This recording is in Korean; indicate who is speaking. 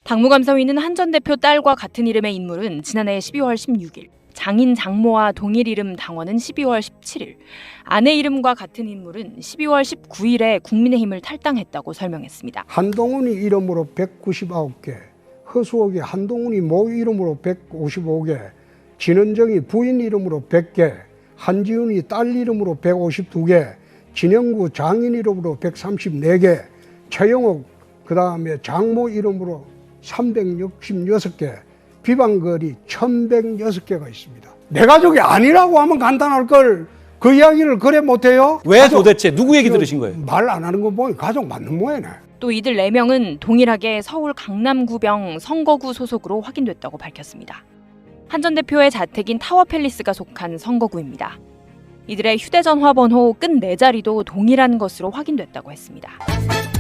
Speaker 1: 당무감사위는 한 전 대표 딸과 같은 이름의 인물은 지난해 12월 16일, 장인 장모와 동일 이름 당원은 12월 17일, 아내 이름과 같은 인물은 12월 19일에 국민의힘을 탈당했다고 설명했습니다.
Speaker 2: 한동훈이 이름으로 199개, 허수옥이 한동훈이 모 이름으로 155개, 진은정이 부인 이름으로 100개, 한지훈이 딸 이름으로 152개, 진영구 장인 이름으로 134개, 최영옥 그다음에 장모 이름으로 366개, 비방글이 1106개가 있습니다. 내 가족이 아니라고 하면 간단할 걸 그 이야기를 그래 못해요?
Speaker 3: 왜 도대체 누구 얘기 들으신 거예요?
Speaker 2: 말 안 하는 거 보니 가족 맞는 모양이네.
Speaker 1: 또 이들 4명은 동일하게 서울 강남구병 선거구 소속으로 확인됐다고 밝혔습니다. 한 전 대표의 자택인 타워팰리스가 속한 선거구입니다. 이들의 휴대전화 번호 끝 4자리도 동일한 것으로 확인됐다고 했습니다.